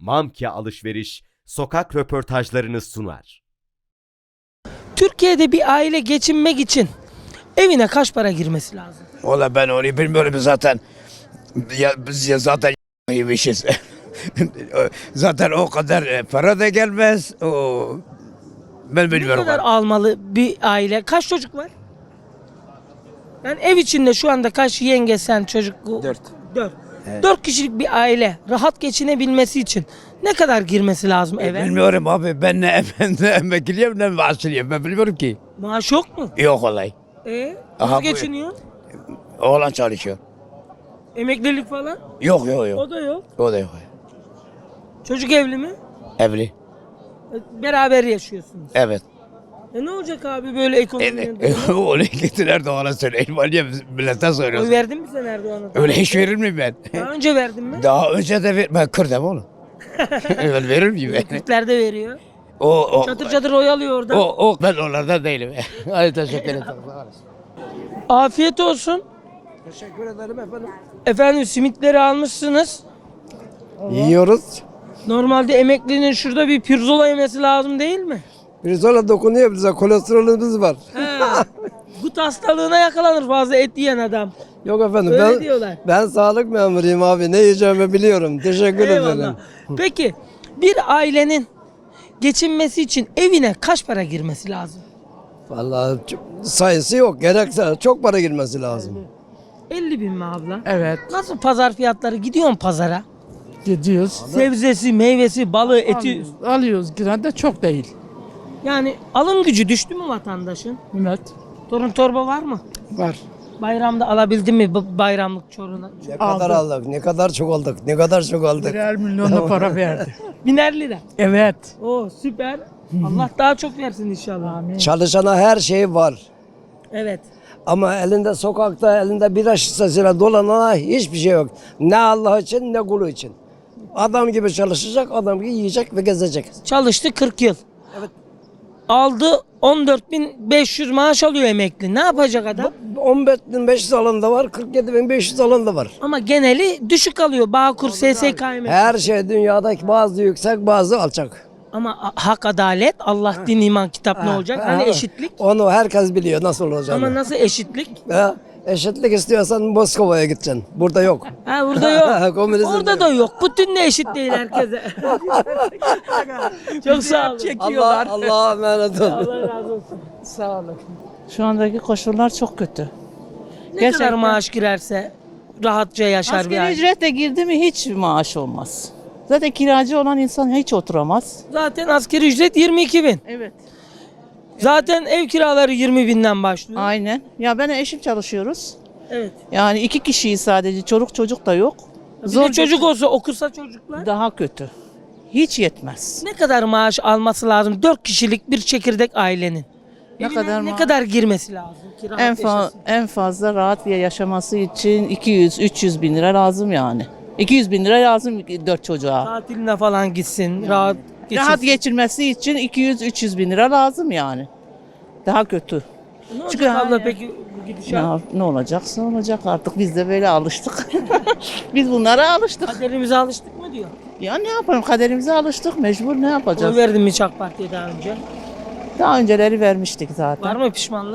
Mamke Alışveriş sokak röportajlarını sunar. Türkiye'de bir aile geçinmek için evine kaç para girmesi lazım? Valla ben onu bilmiyorum zaten. Ya, biz ya zaten yemişiz. Zaten o kadar para da gelmez. Ben Ne bilmiyorum. kadar almalı bir aile? Kaç çocuk var? Yani ev içinde şu anda kaç yenge sen çocuk? 4. 4. 4 kişilik bir aile rahat geçinebilmesi için ne kadar girmesi lazım eve? Bilmiyorum abi, ben ne emekliyim ne maaşlıyım, ben bilmiyorum ki. Maaş yok mu? Yok olay. Nasıl Aha, geçiniyor? Oğlan çalışıyor. Emeklilik falan? Yok. O da yok. O da yok. Çocuk evli mi? Evli. Beraber yaşıyorsunuz. Evet. Ne olacak abi böyle ekonominin durumu? Onu getirir de ona söyleyeyim. Niye millete Oy söylüyorsun? verdin mi sen Erdoğan'a? Öyle hiç verir miyim ben? Daha önce verdin mi? Daha önce de ben Kürt'üm oğlum. Ben verir miyim ben? Kürtler de veriyor. O, Çatır çatır oy alıyor orada. ben onlardan değilim. Hadi teşekkür ederim. Afiyet olsun. Teşekkür ederim efendim. Efendim simitleri almışsınız. Yiyoruz. Normalde emeklinin şurada bir pirzola yemesi lazım değil mi? Pirzola dokunuyor bize. Kolesterolümüz var. Gut hastalığına yakalanır fazla et yiyen adam. Yok efendim. Öyle diyorlar. Ben sağlık memuruyum abi. Ne yiyeceğimi biliyorum. Teşekkür ederim. Eyvallah. Peki bir ailenin geçinmesi için evine kaç para girmesi lazım? Vallahi sayısı yok. Gerekse çok para girmesi lazım. 50 bin mi abla? Evet, Nasıl pazar fiyatları? Gidiyorsun pazara. gidiyoruz. Sebzesi, meyvesi, balığı, eti. Alıyoruz yine de çok değil. Yani alım gücü düştü mü vatandaşın? Evet, Torun torba var mı? var. Bayramda alabildin mi bayramlık çorunu? Ne kadar aldık, ne kadar çok aldık, ne kadar çok aldık. Birer milyonla para verdi. 1000'er lira. Evet. Oo süper. Allah daha çok versin inşallah. Çalışana her şey var. Evet. Ama elinde sokakta, elinde bira şişesiyle dolanana hiçbir şey yok. Ne Allah için ne kulu için. Adam gibi çalışacak, adam gibi yiyecek ve gezecek. Çalıştı 40 yıl. Evet. Aldı 14.500 maaş alıyor emekli. Ne yapacak adam? 15.500 alan da var, 47.500 alan da var. Ama geneli düşük alıyor. Bağkur, SSK emekli. Her şey dünyadaki bazı yüksek, bazı alçak. Ama hak adalet, Allah din iman kitap ne olacak? Hani eşitlik? Onu herkes biliyor nasıl olacağını. Ama nasıl eşitlik? Ha, eşitlik istiyorsan Moskova'ya gideceksin. Burada yok. Ha burada yok. Komünizm Orada yok. da yok. Putin de eşit değil herkese. Çok sağ olun. Allah'a emanet olun. Allah razı olsun. Sağ olun. Şu andaki koşullar çok kötü. Ne kadar maaş girerse rahatça yaşar bir Asgari aile. ücretle girdi mi hiç maaş olmaz. Zaten kiracı olan insan hiç oturamaz. Zaten asgari ücret 22 bin. Evet. Zaten ev kiraları 20 binden başlıyor. Aynen. Ya ben eşim çalışıyoruz. Evet. Yani 2 kişiyiz sadece. Çocuk da yok. Bir de çocuk olsa okusa çocuklar. Daha kötü. Hiç yetmez. Ne kadar maaş alması lazım 4 kişilik bir çekirdek ailenin? Ne Evine kadar ne maaş? kadar girmesi lazım ki rahat yaşasın? En fazla rahat bir yaşaması için 200-300 bin lira lazım yani. 200 bin lira lazım 4 çocuğa. Tatiline falan gitsin, rahat geçirsin. Rahat geçirmesi için 200-300 bin lira lazım yani. Daha kötü. Ne olacak Çünkü abla yani- peki bu gidişat? Ne olacaksa olacak artık biz de böyle alıştık. Biz bunlara alıştık. Kaderimize alıştık mı diyor. Ya ne yapalım kaderimize alıştık mecbur ne Oy yapacağız? verdin mi hiç AK Parti'ye daha önce? Daha önceleri vermiştik zaten. Var mı pişmanlık?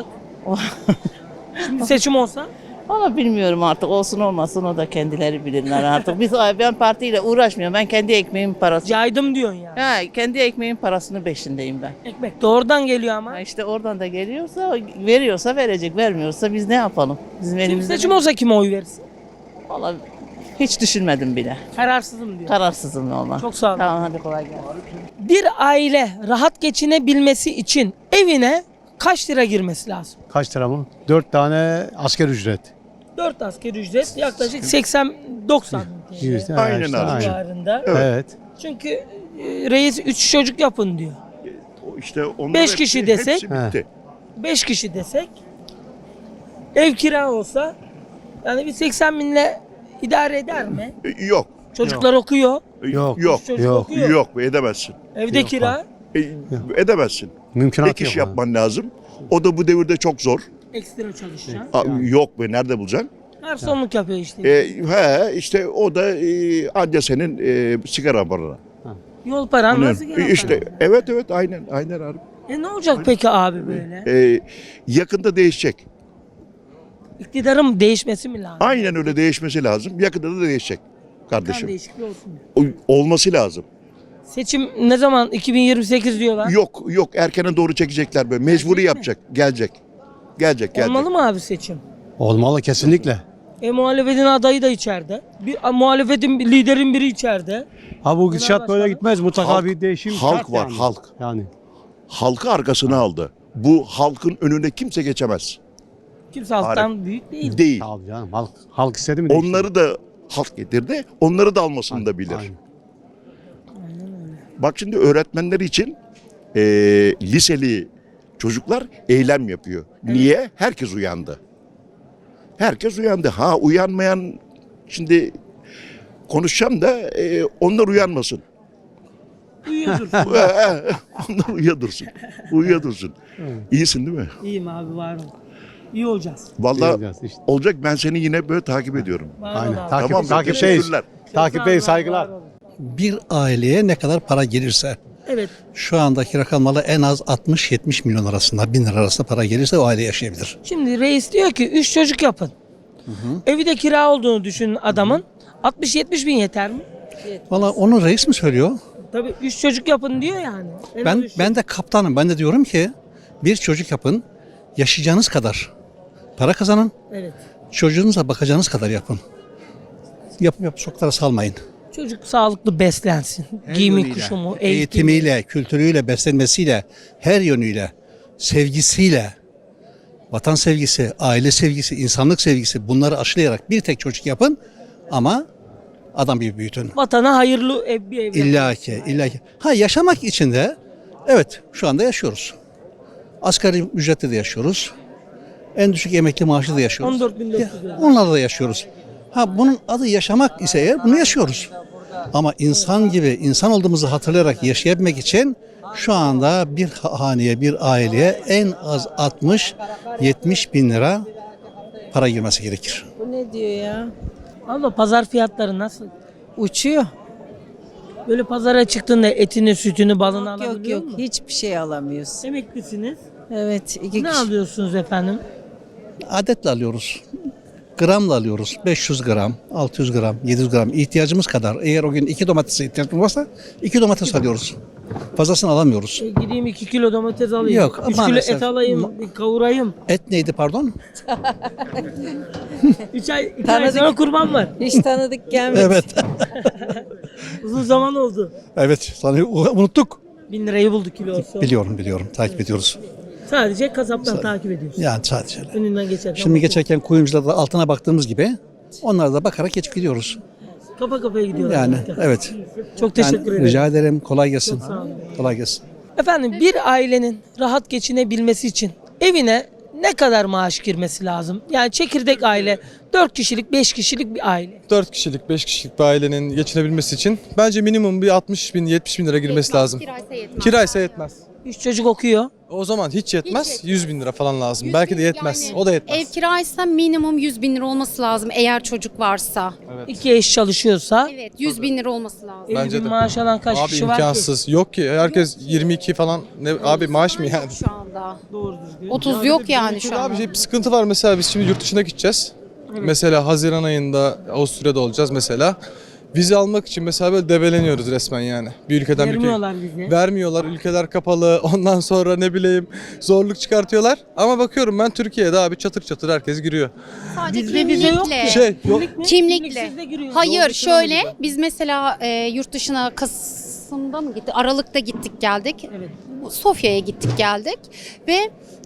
Şimdi seçim olsa? Ama bilmiyorum artık olsun olmasın o da kendileri bilirler artık. Ben partiyle uğraşmıyorum. Ben kendi ekmeğimin parası. Caydım diyorsun yani. Ha, kendi ekmeğimin parasını peşindeyim ben. Ekmek doğrudan geliyor ama. Ha işte oradan da geliyorsa, veriyorsa verecek, vermiyorsa biz ne yapalım? Bizim Şimdi elimizde. seçim olsa kime oy verirsin? Vallahi hiç düşünmedim bile. Kararsızım diyor. Kararsızım valla. Çok sağ olun. Tamam hadi kolay gelsin. Bir aile rahat geçinebilmesi için evine kaç lira girmesi lazım? Kaç lira mı? 4 tane asker ücret. 4 asgari ücret yaklaşık 80-90 Yüzde, Aynen işte, abi. civarında. Evet. Çünkü reis 3 çocuk yapın diyor. İşte onlar 5 hepsi- kişi desek? hepsi bitti. 5 kişi desek ev kira olsa yani bir 80 binle idare eder mi? Yok. Çocuklar okuyor. Yok. Yok. Çocuk Yok. okuyor. Yok edemezsin. Evde Yok, kira Edemezsin. Mümkünatı Ek iş yok. yapman lazım. O da bu devirde çok zor. ekstra çalışacaksın. Yok be nerede bulacaksın? Garsonluk yapıyor işte. İşte o da anca senin sigara paranı. Yol paran nasıl gelen İşte para? evet aynen abi. Ne olacak peki abi böyle? Yakında değişecek. İktidarın değişmesi mi lazım? Aynen öyle değişmesi lazım. Yakında da değişecek Kan kardeşim. değişikliği olsun. Olması lazım. Seçim ne zaman? 2028 diyorlar. Yok erkene doğru çekecekler böyle. Mecburi Gelecek mi? yapacak. Gelecek. Olmalı mı abi seçim? Olmalı kesinlikle. Muhalefetin adayı da içeride. Muhalefetin liderin biri içeride. Ha bu gidişat başkanı- böyle gitmez. Mutlaka Halk- bir değişim halk şart var, yani. halk. Yani Halkı arkasına aldı. Bu halkın önüne kimse geçemez. Kimse halktan büyük değil. Değil. tabii canım. Halk istedi mi değişti? Onları da halk getirdi. Onları da almasını da bilir. Aynen. Bak şimdi öğretmenler için liseli çocuklar eylem yapıyor. Niye? Herkes uyandı. Herkes uyandı. Ha uyanmayan şimdi konuşacağım da onlar uyanmasın. Uyuyordur. Onlar uyuyadursun. İyisin değil mi? İyiyim abi var ol. İyi olacağız. Vallahi Diyeceğiz işte. olacak, ben seni yine böyle takip ediyorum. Var ol Aynen. abi. Tamam mı? Takipteyiz. Teşekkürler. Takipteyiz. Sağ ol, Saygılar. var ol. Bir aileye ne kadar para gelirse, Evet. şu andaki rakamlarla en az 60-70 milyon arasında, 1000 lira arasında para gelirse o aile yaşayabilir. Şimdi reis diyor ki 3 çocuk yapın. Evi de kira olduğunu düşünün adamın. 60-70 bin yeter mi? Valla onu reis mi söylüyor? Tabii 3 çocuk yapın diyor yani. En az Ben üç ben de kaptanım. Ben de diyorum ki bir çocuk yapın, yaşayacağınız kadar para kazanın, Evet. çocuğunuza bakacağınız kadar yapın. Yapıp sokaklara salmayın. Çocuk sağlıklı beslensin. Giyimi, kuşumu, eğitimi. Eğitimiyle, kültürüyle, beslenmesiyle, her yönüyle, sevgisiyle, vatan sevgisi, aile sevgisi, insanlık sevgisi bunları aşılayarak bir tek çocuk yapın ama adam gibi büyütün. Vatana hayırlı bir ev yapın. İlla ki. Ha yaşamak için de evet şu anda yaşıyoruz. Asgari ücretle de yaşıyoruz. En düşük emekli maaşı da yaşıyoruz. 14.400 lira. Onlarla da yaşıyoruz. Ha bunun adı yaşamak ise eğer bunu yaşıyoruz. Ama insan gibi insan olduğumuzu hatırlayarak yaşayabilmek için şu anda bir haneye, bir aileye en az 60-70 bin lira para girmesi gerekir. Bu ne diyor ya? Abla pazar fiyatları nasıl? Uçuyor. Böyle pazara çıktığında etini, sütünü, balını Yok alabiliyor yok musun? hiçbir şey alamıyoruz. Emeklisiniz. Evet iki Ne kişi. alıyorsunuz efendim? Adetle alıyoruz. Gramla alıyoruz. 500 gram, 600 gram, 700 gram ihtiyacımız kadar. Eğer o gün 2 domatese ihtiyacımız varsa 2 domates alıyoruz. Fazlasını alamıyoruz. Gideyim 2 kilo domates alayım. Yok, 3 kilo maalesef. et alayım, kavurayım. Et neydi pardon? 2 ay Tanıdık. sonra kurban var. Hiç tanıdık gelmedi. Evet. Uzun zaman oldu. Evet. Sana unuttuk. 1000 lirayı buldu kilosu. Biliyorum. Takip ediyoruz. Sadece kasaptan takip ediyorsun. Yani sadece öyle. Önünden geçerken. Şimdi bakıyorsun. geçerken kuyumcularda altına baktığımız gibi onlara da bakarak geçip gidiyoruz. Kafa kafaya gidiyorlar. Yani zaten. evet. Çok teşekkür ederim. Rica ederim. Kolay gelsin. Çok sağ olun. Kolay gelsin. Efendim bir ailenin rahat geçinebilmesi için evine ne kadar maaş girmesi lazım? Yani çekirdek aile 4 kişilik 5 kişilik bir aile. 4 kişilik, 5 kişilik bir ailenin geçinebilmesi için bence minimum bir 60 bin, 70 bin lira girmesi lazım. Kiraysa yetmez. 3 çocuk okuyor. O zaman hiç yetmez, Hiç 100 bin lira falan lazım. 100 Belki de bin, yetmez, yani o da yetmez. Ev kiraysa minimum 100 bin lira olması lazım eğer çocuk varsa. 2 eş çalışıyorsa Evet 100 bin lira olması lazım. Bence 50 bin de. maaş alan kaç Abi kişi var ki? imkansız. Yok ki, herkes 22 falan. Ne, abi maaş mı yani? Yok şu anda. Doğru düzgün. 30 yok yani şu Abi anda. bir sıkıntı var mesela biz şimdi yurt dışına gideceğiz. Mesela Haziran ayında Avusturya'da olacağız mesela. Vize almak için mesela böyle debeleniyoruz resmen yani. Bir ülkeden bir Vermiyorlar vize. Vermiyorlar. Ülkeler kapalı. Ondan sonra ne bileyim zorluk çıkartıyorlar. Ama bakıyorum ben Türkiye'de abi çatır çatır herkes giriyor. Sadece Bizde vize yok kimlikle. ki. Yok. Kimlik mi? Kimlikle. Kimliksiz de giriyor. Hayır Yol şöyle dışına mı biz mesela yurt dışına Kasım'da mı gittik? Aralık'ta gittik geldik. Evet. Sofya'ya gittik geldik ve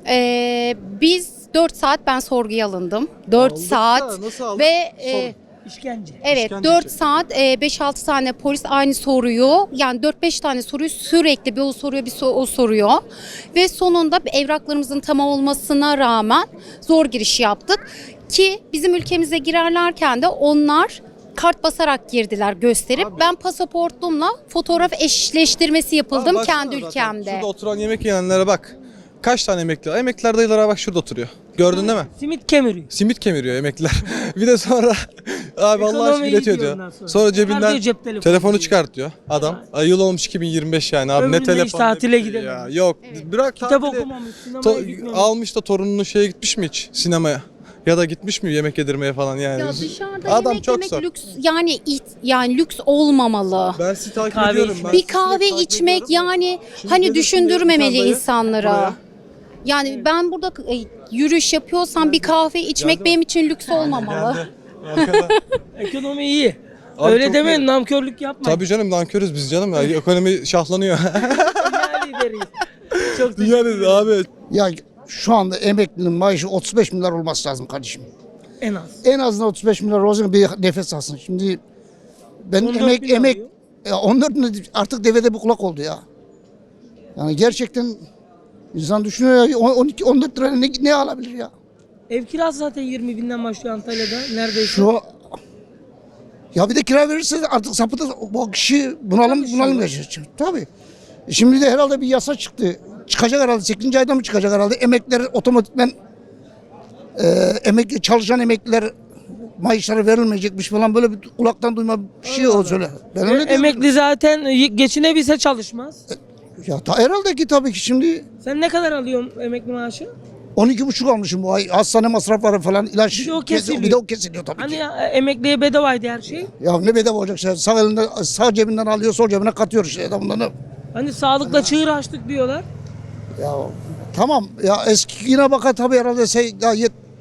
biz 4 saat ben sorguya alındım. 4 Aldık saat da nasıl aldık? ve İşkence. evet İşkence 4 çekiyor. saat 5-6 tane polis aynı soruyu yani 4-5 tane soruyu sürekli bir o soruyor bir o soruyor ve sonunda evraklarımızın tamam olmasına rağmen zor giriş yaptık ki bizim ülkemize girerlerken de onlar kart basarak girdiler gösterip ben pasaportumla fotoğraf eşleştirmesi yapıldım Abi baksana kendi zaten, ülkemde. Şurada oturan yemek yiyenlere bak. Kaç tane emekli var? Emekliler dayılara bak şurada oturuyor. Gördün değil mi? Simit kemiriyor. Simit kemiriyor emekliler. Bir de sonra Abi Allah Ekonomi aşkına iyi iletiyor diyor diyor. ondan sonra. Sonra Çıkar cebinden diyor cep telefonu telefonu diyor. çıkart diyor adam. Ay, yıl olmuş 2025 yani abi, Ömründe ne telefon hiç ne tatile bir şey ya. gidememiş. Yok bırak Kitap tatili. okumamış, sinemaya gitmemiş. Almış da torununun şeye gitmiş mi hiç sinemaya? Ya da gitmiş mi yemek yedirmeye falan yani. Ya dışarıda Adam yemek çok yemek zor. lüks yani lüks olmamalı. Ben sizi takip Kahve ediyorum. içmek. Ben Bir sizi kahve takip içmek ediyorum. yani Şimdi hani gelirsin düşündürmemeli diye bir insanlara. buraya. Yani ben burada yürüyüş yapıyorsam bir kahve içmek Geldi benim için lüks olmamalı. Geldi. Arkada. Ekonomi iyi. Abi Öyle çok demeyin, iyi. namkörlük yapmayın. Tabii canım nankörüz biz canım ya. Ekonomi şahlanıyor. Dünya lideriyiz. Çok teşekkür Dünyanın ederim. abi. Ya şu anda emeklinin maaşı 35 milyar olması lazım kardeşim. En az. En azından 35 milyar olsun bir nefes alsın. Şimdi ben 14 bin alıyor. 14 artık devede bir kulak oldu ya. Yani gerçekten insan düşünüyor ya 12 14 lira ne alabilir ya? Ev kirası zaten 20 binden başlıyor Antalya'da. Neredeyse. Şu ya bir de kira verirse artık sapıda bu kişi bunalım yaşayacak. Tabii. Şimdi de herhalde bir yasa çıktı. Çıkacak herhalde 8. ayda mı çıkacak herhalde? Emekliler otomatikmen çalışan emekliler maaşları verilmeyecekmiş falan böyle bir kulaktan duyma bir şey o söyle. Ben öyle diyorum. Emekli zaten geçinebilse çalışmaz. Ya herhalde ki tabii ki şimdi Sen ne kadar alıyorsun emekli maaşı? 12,5 almışım bu ay. Hastane masrafları falan ilaç. Bir de o kesiliyor. Bir de o kesiliyor tabii Hani ki. emekliye bedavaydı her şey. Ya ne bedava olacak şey. Sağ cebinden alıyor, sol cebine katıyor işte adamdan. Ne? Hani sağlıkla çığır açtık diyorlar. Ya tamam ya eski yine bakar tabii herhalde ya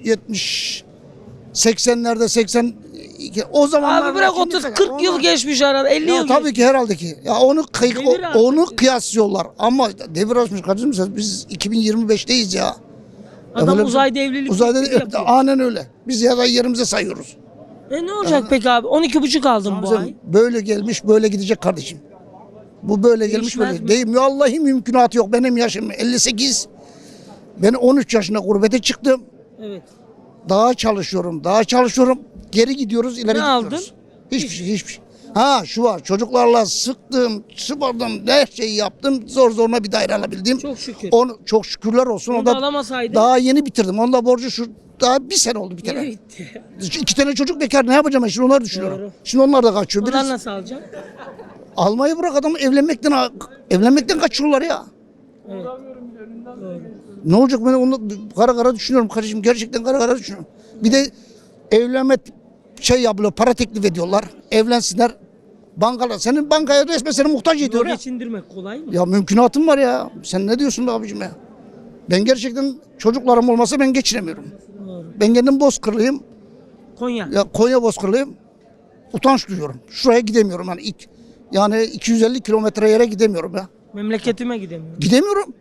80'lerde 80 o zamanlar Abi bırak 30-40 yıl geçmiş arada, 50 ya yıl tabii geçmiş. ki herhalde ki. Ya Devir artık. onu kıyaslıyorlar ama devir açmış kardeşim biz 2025'teyiz ya. Adam böyle- uzayda evlilik Uzayda teklifi yapıyor. aynen öyle. Biz ya da yerimize sayıyoruz. Ne olacak peki abi? 12,5 aldım bu ay. Böyle gelmiş böyle gidecek kardeşim. Bu böyle gelmiş Değişmez böyle. mi? Değil mi? Vallahi mümkünatı yok. Benim yaşım 58. Ben 13 yaşında gurbete çıktım. Evet. Daha çalışıyorum. Geri gidiyoruz, ileri Ne gidiyoruz. aldın? Hiçbir şey. Ha şu var. Çocuklarla sıktım, sıvadım, her şeyi yaptım. Zoruna bir daire alabildim. Çok şükür. Onu çok şükürler olsun. Onu da alamasaydın. daha yeni bitirdim. Onda borcu daha bir sene oldu bir Yine kere. bitti. 2 tane çocuk bekar ne yapacağım ben şimdi onları düşünüyorum. Doğru. Şimdi onlar da kaçıyor. Onlar Birisi, nasıl alacaksın? almayı bırak adamı evlenmekten kaçıyorlar ya. Evet. Ne olacak ben onu kara düşünüyorum kardeşim gerçekten kara düşünüyorum. Bir de evlenme yapılıyor para teklif ediyorlar. Evlensinler. Senin bankaya resmen seni muhtaç ediyor ya. Geçindirmek kolay mı? Ya mümkünatım var ya. Sen ne diyorsun be abicim ya? Ben gerçekten çocuklarım olmasa ben geçinemiyorum. Doğru. Ben kendim Bozkırlıyım. Konya. Ya Konya Bozkırlıyım. Utanç duyuyorum. Şuraya gidemiyorum yani 250 kilometre yere gidemiyorum ya. Memleketime gidemiyorum. Gidemiyorum.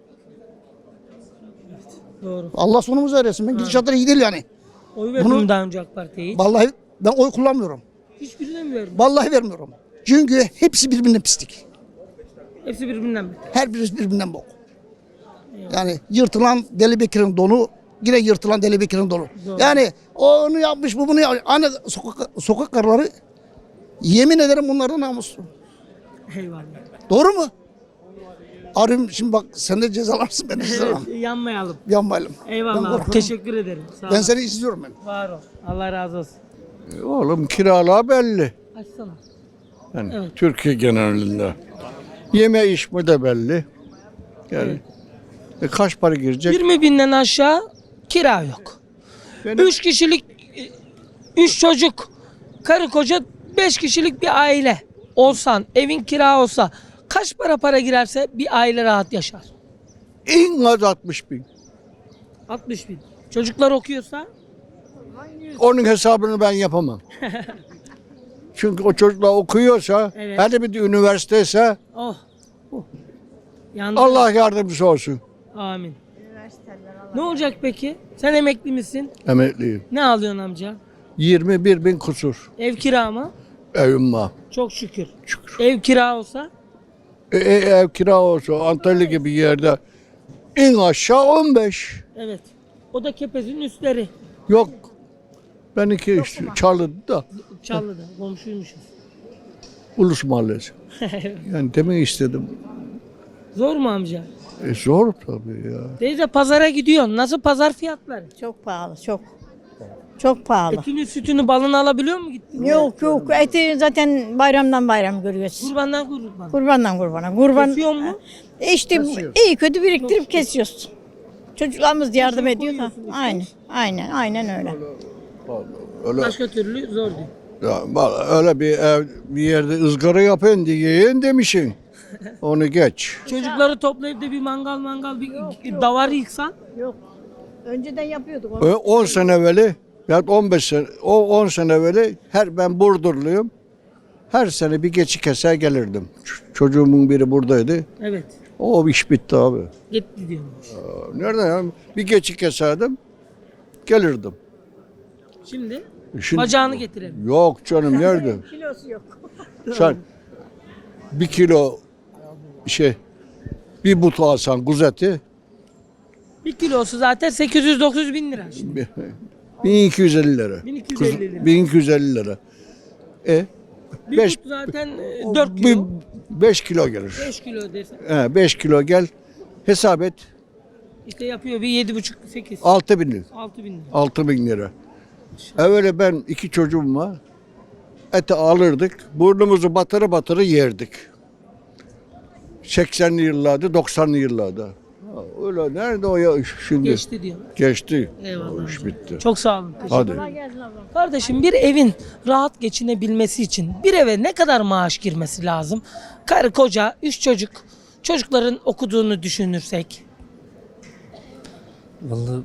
Doğru. Allah sonumuzu eresin. Ben gidişatları iyi değil yani. Oy verdim Bunu- daha önce AK Parti'ye hiç. Vallahi ben oy kullanmıyorum. Hiçbirine mi verdim? Vallahi vermiyorum. Çünkü hepsi birbirinden pislik. Hepsi birbirinden mi? Her birisi birbirinden bok. Yani yırtılan Deli Bekir'in donu yine yırtılan Deli Bekir'in donu. Doğru. Yani o onu yapmış bu bunu yapmış. Hani sokak karıları yemin ederim bunlardan namuslu. Eyvallah. Doğru mu? Arım şimdi bak sen de cezalarsın ben de cezalarım. Yanmayalım. Yanmayalım. Ben Eyvallah. korkuyorum. Teşekkür ederim. Sağ Ben ol. seni izliyorum ben. Var ol. Allah razı olsun. Oğlum kiralar belli. Açsana. Yani Evet. Türkiye genelinde. Yeme içme de belli. Yani kaç para girecek? 20 binden aşağı kira yok. Benim- 3 kişilik, 3 çocuk, karı koca 5 kişilik bir aile olsan, evin kira olsa kaç para girerse bir aile rahat yaşar? En az 60 bin. 60 bin. Çocuklar okuyorsa Onun hesabını ben yapamam. Çünkü o çocuklar okuyorsa, Evet. hele bir de üniversiteyse oh. Yandı. Allah yardımcısı olsun. Amin. Ne olacak peki? Sen emekli misin? Emekliyim. Ne alıyorsun amca? 21 bin kusur. Ev kira mı? Evim var. Çok şükür. Ev kira olsa Ev kira olsa Antalya gibi yerde en aşağı 15. evet. O da Kepez'in üstleri. Yok. Benimki işte Çalı'da Çallı'da komşuymuşuz. Ulus Mahallesi. Yani demek istedim. Zor mu amca? Zor tabii ya. Teyze pazara gidiyorsun. Nasıl pazar fiyatları? Çok pahalı, çok. Çok pahalı. Etini, sütünü, balını alabiliyor mu gittin? Yok yok eti zaten bayramdan bayram görüyoruz. Kurbandan kurban. Kurbandan kurbana. Kurban Kesiyor mu? işte iyi kötü biriktirip kesiyoruz. Çocuklarımız yardım ediyor da. Aynen öyle. Öyle, Başka türlü zor değil. ya, öyle bir yerde ızgara yapın diye yiyin demişsin. Onu geç. Çocukları toplayıp da bir mangal bir davar yıksan. Yok. Önceden yapıyorduk onu. 10 sene evveli ya 15 sene, o 10 sene evveli ben Burdurluyum. Her sene bir geçi keser gelirdim. Çocuğumun biri buradaydı. Evet. O iş bitti abi. Gitti diyormuş. Nereden ya? Bir geçi keserdim. Gelirdim. Şimdi Şimdi, bacağını getirelim. yok canım nerede? Kilosu yok. Sen 1 kilo bir but alsan kuzu eti 1 kilosu zaten 800-900 bin lira. Şimdi. 1250 lira. 1250 lira. 1250 lira. Bir Beş- but zaten 4 kilo. 5 kilo gelir. 5 kilo desen. 5 kilo gel. Hesap et. İşte yapıyor bir 7,5-8. 6 bin lira. 6 bin lira. 6 bin lira. Evvela ben 2 çocuğum var. Eti alırdık. Burnumuzu batırı yerdik. 80'li yıllarda, 90'lı yıllarda. Öyle nerede o ya şimdi? Geçti diyor. Geçti. Eyvallah. O iş bitti. Çok sağ olun. Hadi. Kardeşim bir evin rahat geçinebilmesi için bir eve ne kadar maaş girmesi lazım? Karı koca, 3 çocuk, çocukların okuduğunu düşünürsek. Vallahi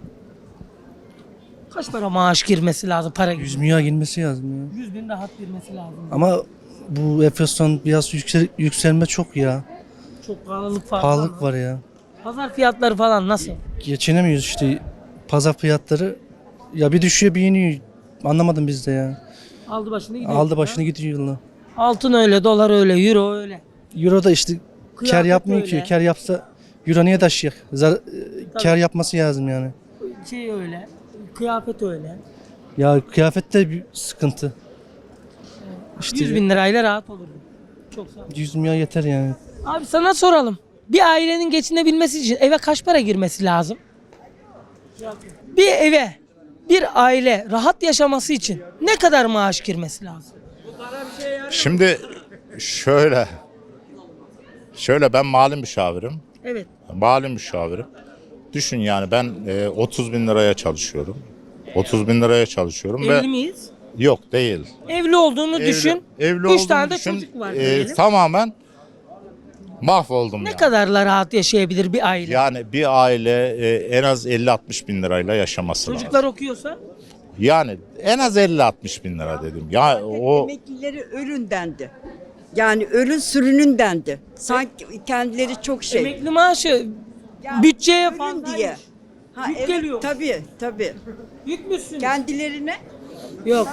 Kaç para maaş girmesi lazım? Para 100 milyar girmesi lazım ya. 100 bin rahat girmesi lazım. Ama bu enflasyon biraz yükselme çok ya. Çok pahalılık falan. Pahalılık var ya. Pazar fiyatları falan nasıl? Geçinemiyoruz işte. Pazar fiyatları ya bir düşüyor bir iniyor. Anlamadım biz de ya. Aldı başını gidiyor. Aldı başını gidiyor yıllar. Altın öyle, dolar öyle, euro öyle. Euro da işte kar Kıyafet yapmıyor öyle. ki. Kar yapsa Euro niye taşıyacak? Kar yapması lazım yani. Şey öyle, kıyafet öyle. Ya kıyafet de bir sıkıntı. İşte 100 bin lirayla rahat olurdu. Çok sağ ol. 100 milyar yeter yani. Abi sana soralım. Bir ailenin geçinebilmesi için eve kaç para girmesi lazım? Bir eve, bir aile rahat yaşaması için ne kadar maaş girmesi lazım? Şimdi şöyle ben mali müşavirim. Evet. Mali müşavirim. Düşün yani ben 30 bin liraya çalışıyorum. 30 bin liraya çalışıyorum Evli ve miyiz? yok değil. Evli olduğunu düşün. Evli 3 olduğumu tane de düşün. çocuk var diyelim. Tamamen mahvoldum Ne yani. kadarla rahat yaşayabilir bir aile? Yani bir aile en az 50-60 bin lirayla yaşaması lazım. Çocuklar okuyorsa? Yani en az 50-60 bin lira dedim. Ya o Emeklileri ölündendi. Yani ölün sürünündendi. Sanki kendileri çok Emekli maaşı bütçeye fazla. diye. Ha, Yük geliyor. Tabii. Yükmüşsün. Kendilerine Yok.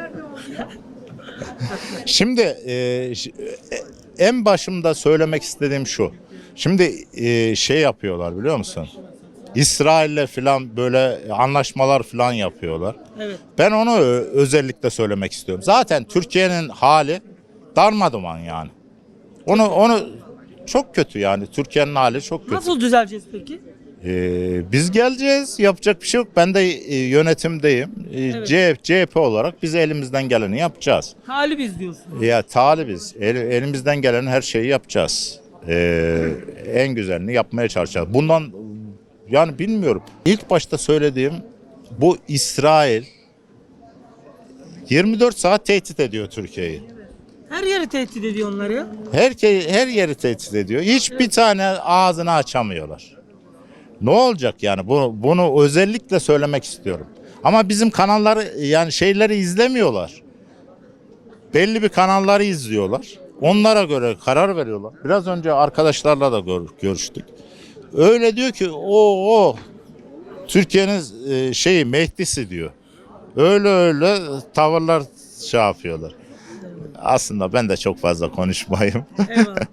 şimdi en başımda söylemek istediğim şu. Şimdi şey yapıyorlar biliyor musun? İsrail'le falan böyle anlaşmalar falan yapıyorlar. Evet. Ben onu özellikle söylemek istiyorum. Zaten Türkiye'nin hali darmaduman yani. Onu çok kötü yani. Türkiye'nin hali çok kötü. Nasıl düzeleceğiz peki? Biz geleceğiz. Yapacak bir şey yok. Ben de yönetimdeyim. CHP olarak biz elimizden geleni yapacağız. Talibiz diyorsun. Ya talibiz. Elimizden gelen her şeyi yapacağız. En güzelini yapmaya çalışacağız. Bundan yani bilmiyorum. İlk başta söylediğim bu İsrail 24 saat tehdit ediyor Türkiye'yi. Her yeri tehdit ediyor onları ya. Her yeri tehdit ediyor. Hiçbir tane ağzını açamıyorlar. Ne olacak yani? Bunu özellikle söylemek istiyorum. Ama bizim kanalları yani şeyleri izlemiyorlar. Belli bir kanalları izliyorlar. Onlara göre karar veriyorlar. Biraz önce arkadaşlarla da görüştük. Öyle diyor ki o Türkiye'nin Mehdi'si diyor. Öyle tavırlar şey yapıyorlar. Aslında ben de çok fazla konuşmayayım. Eyvallah.